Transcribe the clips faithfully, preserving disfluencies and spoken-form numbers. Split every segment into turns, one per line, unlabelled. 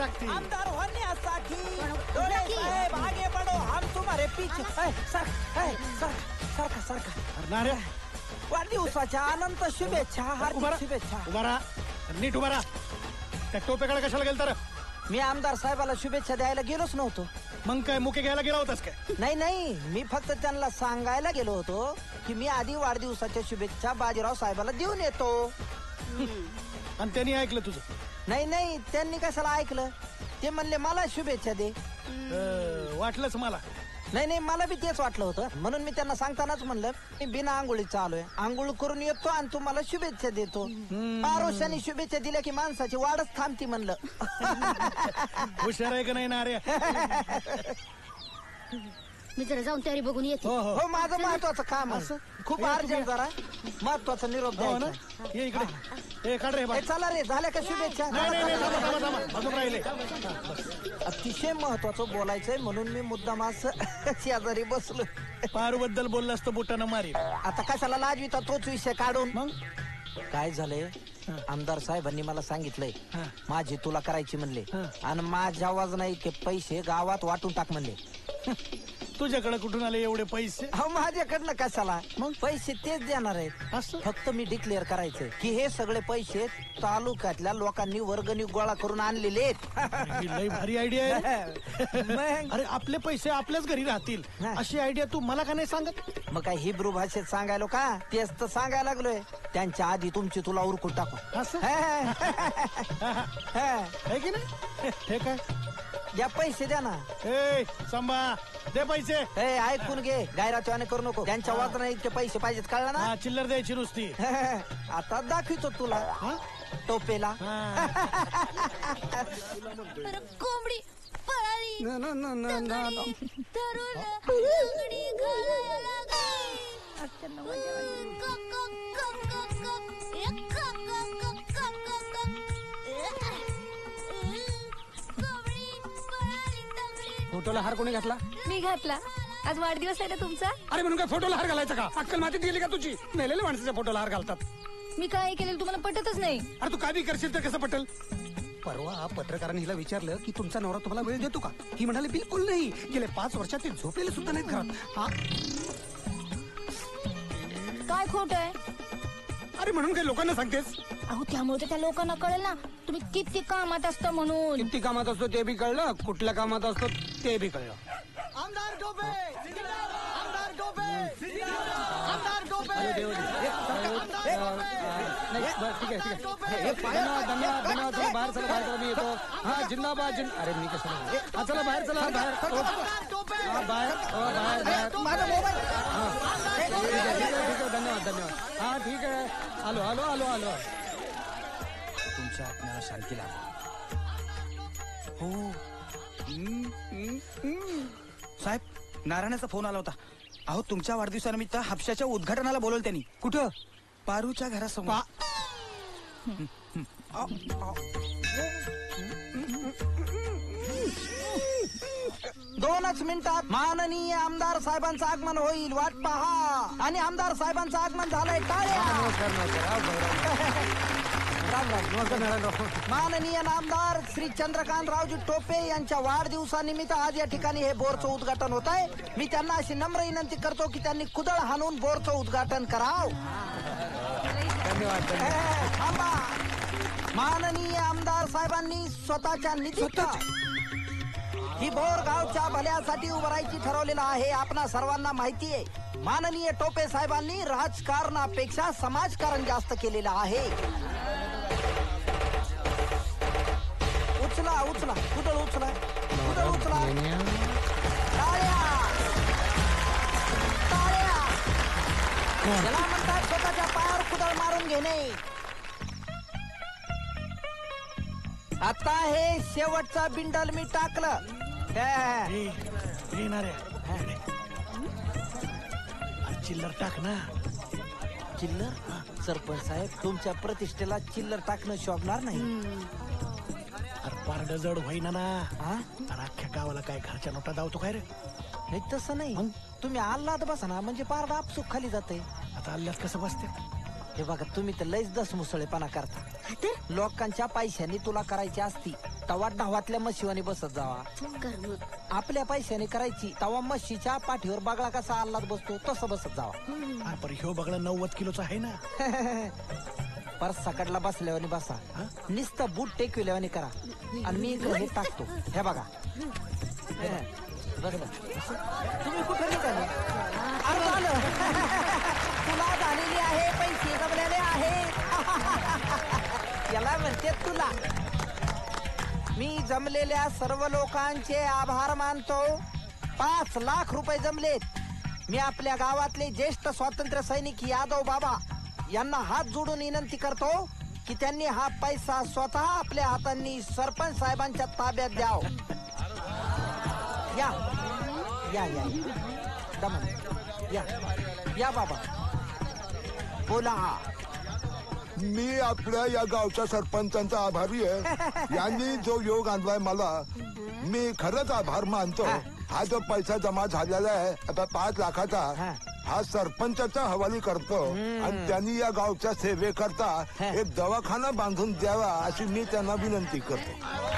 टाकतील.
आमदार होण्यासाठी डोळे साहेब आगे बढो, हम तुम्हारे पीछे. सर सारखा सारखा
नाऱ्या
वाढदिवसाच्या अनंत शुभेच्छा, हार्दिक शुभेच्छा.
उभा राहा, नीट उभा राहा. त्या टोपेकडे कशाला गेल तर?
मी आमदार साहेबाला शुभेच्छा द्यायला गेलोच नव्हतो.
मग काय मुके घ्यायला गेला होतास काय?
नाही नाही, मी फक्त त्यांना सांगायला गेलो होतो की मी आधी वाढदिवसाच्या शुभेच्छा बाजीराव साहेबाला देऊन येतो.
आणि त्यांनी ऐकलं तुझं?
नाही नाही, त्यांनी कशाला ऐकलं? ते म्हणले मला शुभेच्छा दे.
अं, वाटलंच मला.
नाही नाही, मला बी तेच वाटलं होतं, म्हणून मी त्यांना सांगतानाच म्हणलं मी बिना आंघोळीचा आलोय, आंघोळ करून येतो आणि तुम्हाला शुभेच्छा देतो. आरोशाने शुभेच्छा दिल्या की माणसाची वाढच थांबती म्हणलं.
हुशार आहे का नाही नाऱ्या?
मी जरा जाऊन तयारी बघून येते.
हो हो
हो, माझं महत्वाचं काम आहे, खूप अर्जंट, जरा महत्वाचा निरोप
हो ना.
द्यायचा.
ये इकडे, ए काढ रे बा.
ए, चला रे, झाल्या का शुभेच्छा?
नाही नाही नाही, थांबा थांबा थांबा, अजून राहिले.
अतिशय महत्वाचं बोलायचंय म्हणून मी मुद्दाम असं शेजारी बसलो.
पारू बद्दल बोललास तर बोटानं मारी.
आता कशाला लाजविता तोच विषय काढून?
मग
काय झालंय, आमदार साहेबांनी मला सांगितलंय
हा.
माझी तुला करायची म्हणले,
हा.
आणि माझ्या वजना इतके पैसे गावात वाटून टाक म्हणले.
तुझ्याकडे कुठून आले एवढे पैसे?
अहो, माझ्याकडनं कशाला,
मग?
पैसे तेच देणार आहेत.
असं?
फक्त मी डिक्लेअर करायचंय की हे सगळे पैसे तालुक्यातल्या लोकांनी वर्गणी गोळा करून आणलेले आहेत.
ही लई भारी आयडिया आहे.
मग
अरे आपले पैसे आपल्याच घरी राहतील
हा.
अशी आयडिया तू मला का नाही सांगत?
मग काय हिब्रू भाषेत सांगायलो का? तेच तर सांगायला लागलोय. त्यांच्या आधी तुमची तुला उरकून टाकू.
असं
हा.
आहे की नाही? हे काय?
द्या पैसे द्या ना.
ए संभा, दे पैसे.
ए, ऐकून घे, गायराचवाने करू नको. त्यांच्या वाजना इतके पैसे पाहिजेत, कळलं ना?
हा, चिल्लर द्यायची नुसती.
आता दाखवितो तुला
हा?
टोपेला.
हा.
कोंबडी पळाली,
न, न, न, न, न, न.
तरुण लंगडी घालायला लागली. क, क, क, क, क. ए, क, क, क, क, क, क. ए, ए, कोंबडी पळाली, तंगडी.
फोटोला हार कोणी घातला?
मी घातला. आज वाढदिवस आहे ना तुमचा.
अरे म्हणून काय फोटोला हार घालायचा का? अक्कल मातीत गेली का तुझी? मेलेल्या माणसाच्या फोटोला हार घालतात.
मी काय केलेलं तुम्हाला पटतच नाही.
अरे तू काय बी करशील तर कसं पटेल? परवा पत्रकारांनी हिला विचारलं की तुमचा नवरा तुम्हाला वेळ देतो का? ही म्हणाली बिलकुल नाही. गेले पाच वर्षात ते झोपलेले सुद्धा नाहीत घरात. हा?
काय खोट आहे?
अरे म्हणून काही लोकांना सांगतेस?
अहो, त्यामुळे तर त्या लोकांना कळेल ना तुम्ही किती कामात असता म्हणून.
किती कामात असतो ते बी कळलं, कुठल्या कामात असतो ते बी कळलं.
आमदार टोपे, आमदार टोपे, आमदार टोपे.
नाही, बस ठीक आहे ठीक आहे. धन्यवाद धन्यवाद धन्यवाद. चला बाहेर चला, बाहेर चला, मी येतो. हा जिंदाबाद जिंद. अरे मी कसं नाही. हा चला बाहेर चला, बाहेर. हा बाहेर, हो, बाहेर बाहेर.
माझा मोबाईल.
ठीक आहे ठीक आहे ठीक आहे. धन्यवाद धन्यवाद. हा ठीक आहे. आलो आलो आलो आलो.
तुमच्या आत्म्याला शांती लाभो. हो साहेब, नारायणाचा फोन आला होता. अहो तुमच्या वाढदिवसानिमित्त हापशाच्या उद्घाटनाला बोलवलं त्यांनी.
कुठं?
पारूच्या घरासमोर.
दोनच मिनिटात माननीय आमदार साहेबांचं आगमन होईल, वाट पहा. आणि आमदार साहेबांचं आगमन झालंय, टाळ्या. राम राम. माननीय नामदार श्री चंद्रकांतरावजी टोपे यांच्या वाढदिवसानिमित्त आज या ठिकाणी हे बोरचं उद्घाटन होत आहे. मी त्यांना अशी नम्र विनंती करतो की त्यांनी कुदळ हाणून बोरचं उद्घाटन करावं.
धन्यवाद.
थांबा. माननीय आमदार साहेबांनी स्वतःच्या निधीत ही बोर गावच्या भल्यासाठी उभारायची ठरवलेलं आहे. आपणा सर्वांना माहिती आहे, माननीय टोपे साहेबांनी राजकारणापेक्षा समाजकारण जास्त केलेलं आहे. उचला उचला कुदळ उचला कुदळ उचला. टाळ्या टाळ्या. याला म्हणतात स्वतःच्या पायावर कुदळ मारून घेणे. आता हे शेवटचा बिंडल मी टाकलं. हे.
ए, ए, नाऱ्या, इकडे. अरे चिल्लर टाक ना.
चिल्लर? सरपंच साहेब, तुमच्या प्रतिष्ठेला चिल्लर टाकणं शोभणार नाही.
अरे पारड जड होईना ना.
हा?
अरे अख्ख्या गावाला काय घरच्या नोटा दावतो काय रे?
नाही तसं नाही, तुम्ही आल्लाद बसा ना, म्हणजे पारडा आपसूक खाली जाते.
आता अल्ल्यात कसं बसते?
हे बघा तुम्ही तर लयच दसमुसळेपणा करता.
हा तर
लोकांच्या पैशाने तुला करायची असती तवा ढावातल्या म्हशीवानी बसत जावा.
कर मग.
आपल्या पैशाने करायची तवा म्हशीच्या पाठीवर बगळा कसा आल्लाद बसतो तसं बसत जावा.
अरे पण ह्यो बघलं नव्वद किलोचा आहे ना.
पर सकटला बसल्यावानी बसा. नुसतं बूट टेकविल्यावानी करा आणि मी इकडे हे टाकतो. हे बघा बस बस. तुम्ही कुठे निघाले? अरे झालं. तुला झालेली आहे पैसे जमलेले आहे. याला म्हणते तुला. मी जमलेल्या सर्व लोकांचे आभार मानतो. पाच लाख रुपये जमलेत. मी आपल्या गावातले ज्येष्ठ स्वातंत्र्य सैनिक यादव बाबा यांना हात जोडून विनंती करतो की त्यांनी हा पैसा स्वतः आपल्या हातांनी सरपंच साहेबांच्या ताब्यात द्याव. या या या दमन या या बाबा बोला.
मी आपल्या या गावच्या सरपंचांचा आभारी आहे. यांनी जो योग आणलाय मला मी खरंच आभार मानतो. हा जो पैसा जमा झालेला आहे आता पाच लाखाचा हा सरपंचाचा हवाली करतो आणि त्यांनी या गावच्या सेवेकरता एक दवाखाना बांधून द्यावा अशी मी त्यांना विनंती करतो.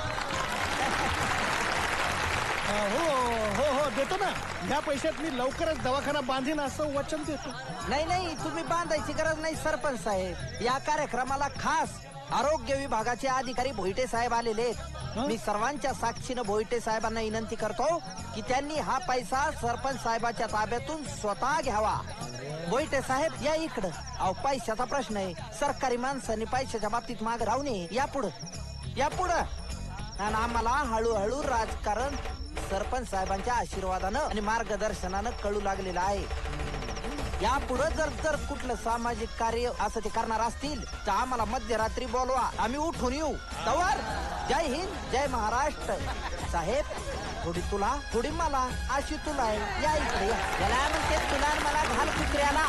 हो हो हो देतो ना. ह्या पैशात मी लवकरच दवाखाना बांधीन असं वचन देतो.
नाही नाही तुम्ही बांधायची गरज नाही सरपंच साहेब. या कार्यक्रमाला खास आरोग्य विभागाचे अधिकारी भोईटे साहेब आलेले आहेत. मी सर्वांच्या साक्षीनं भोईटे साहेबांना विनंती करतो की त्यांनी हा पैसा सरपंच साहेबाच्या ताब्यातून स्वतः घ्यावा. भोईटे साहेब या इकडं. अहो पैशाचा प्रश्न आहे. सरकारी माणसांनी पैशाच्या बाबतीत माग राहू नये. या पुढं या पुढं. आणि आम्हाला हळूहळू राजकारण सरपंच साहेबांच्या आशीर्वादानं आणि मार्गदर्शनानं कळू लागलेलं आहे. या पुढे जर जर कुठलं सामाजिक कार्य असं ते करणार असतील तर आम्हाला मध्यरात्री बोलवा. आम्ही उठून येऊ. तवर जय हिंद जय महाराष्ट्र. साहेब थोडी तुला थोडी मला अशी तुला आहे. या इकडे या. याला म्हणते तुला आणि मला घाल कुत्र्याला.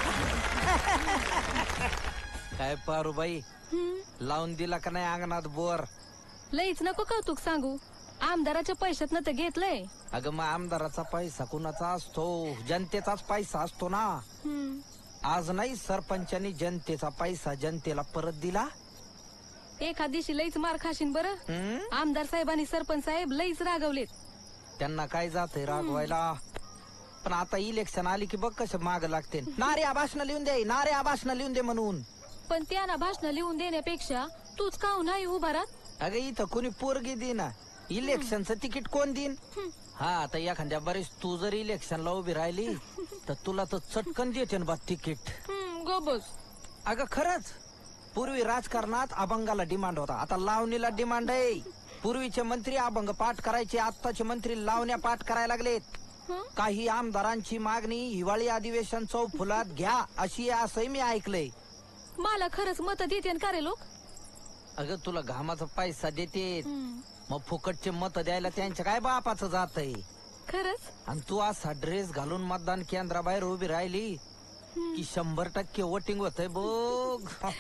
काय पारूबाई लावून दिला का नाही अंगणात बोर?
लईच नको कौतुक सांगू. आमदाराच्या पैशातनं तर घेतलंय.
अगं मग आमदाराचा पैसा कुणाचा असतो? जनतेचाच पैसा असतो ना. आज नाही सरपंचांनी जनतेचा पैसा जनतेला परत दिला.
एखाद दिवशी लईच मार खाशीन बरं.
हम्म?
आमदार साहेबांनी सरपंच साहेब लईच रागवलेत.
त्यांना काय जातंय रागवायला. पण आता इलेक्शन आली की बघ कसं माग लागते. नारे भाषण लिहून दे नारे भाषण लिहून दे म्हणून.
पण त्यांना भाषण लिहून देण्यापेक्षा तूच काहून नाही उभा राहत?
अगं इथं कोणी पोरगी देना. इलेक्शनचं तिकीट कोण देईन? हा आता एखाद्या बरेच तू जर इलेक्शनला उभी राहिली तर तुला तर चटकन देते ना बा तिकीट.
हम्म, गो बस.
अगं खरंच पूर्वी राजकारणात अभंगाला डिमांड होता. आता लावणीला डिमांड आहे. पूर्वीचे मंत्री अभंग पाठ करायचे. आत्ताचे मंत्री लावण्या पाठ करायला लागलेत. काही आमदारांची मागणी हिवाळी अधिवेशन चौफुलात घ्या अशी आहे असंही मी ऐकलंय.
मला खरंच मत देते का रे लोक?
अगं तुला घामाचा पैसा देते मग फुकटचे मत द्यायला त्यांच्या काय बापाचं जात आहे.
खरंच?
आणि तू असा ड्रेस घालून मतदान केंद्राबाहेर उभी राहिली की शंभर टक्के वोटिंग होतंय बघ.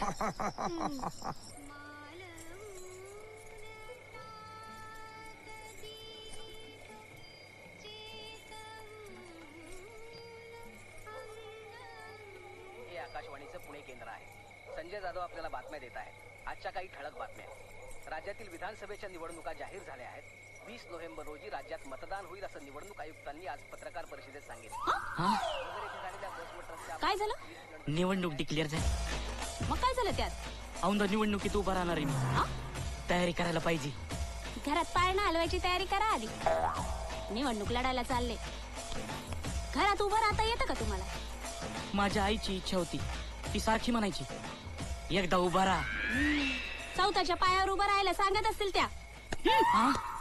हे आकाशवाणीचं पुणे केंद्र आहे. संजय जाधव आपल्याला बातम्या देत आहेत. आजच्या काही ठळक बातम्या. राज्यातील विधानसभेच्या निवडणुका जाहीर झाल्या आहेत. वीस नोव्हेंबर रोजी राज्यात मतदान होईल असं निवडणूक आयुक्तांनी आज पत्रकार परिषदेत सांगितलं.
काय झालं?
निवडणूक डिक्लेअर झाली.
मग काय झालं त्यात?
औंधा निवडणुकीत उभा राहणार आहे मी. तयारी करायला पाहिजे.
घरात पाळणा हलवायची तयारी करा आधी. निवडणूक लढायला चालले. घरात उभं राहता येतं का तुम्हाला?
माझ्या आईची इच्छा होती. ती सारखी म्हणायची एकदा उभा राहा.
चौथाच्या पायावर उभं राहायला सांगत असतील त्या.
हा?